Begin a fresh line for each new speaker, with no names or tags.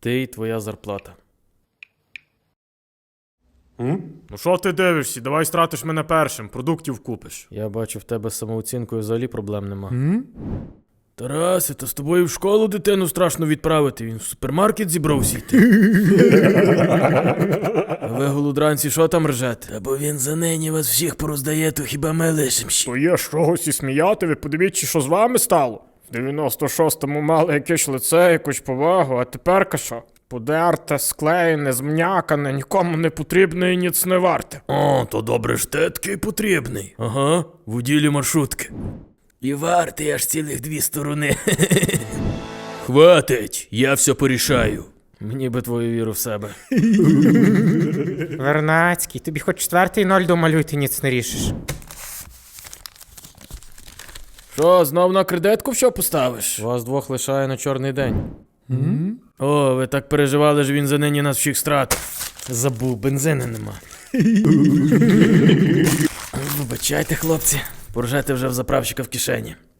Ти і твоя зарплата.
Ну що ти дивишся? Давай стратиш мене першим, продуктів купиш.
Я бачу, в тебе з самооцінкою взагалі проблем нема.
Тарасе, то з тобою в школу дитину страшно відправити, він в супермаркет зібрався йти. А ви, голодранці, що там ржете? Та бо він за нині вас всіх пороздає, то хіба ми лишим ще.
То є з чогось і сміяти, ви подивіться, що з вами стало. В 96-му мали якесь лице, якусь повагу, а тепер що? Подерте, склеєне, змнякане, нікому не потрібне і ніц не варте.
О, то добре ж ти такий потрібний. Ага, в уділі маршрутки. І вартий аж цілих 2 сторони. Хватить, я все порішаю.
Мені би твою віру в себе.
Вернацький, тобі хоч 4-0 домалюй, ти ніц не рішиш.
Що, знов на кредитку що поставиш?
Вас двох лишає на чорний день.
О, ви так переживали, що він за нині нас всіх стратив.
Забув, бензину нема.
Вибачайте, хлопці, поржете вже в заправщика в кишені.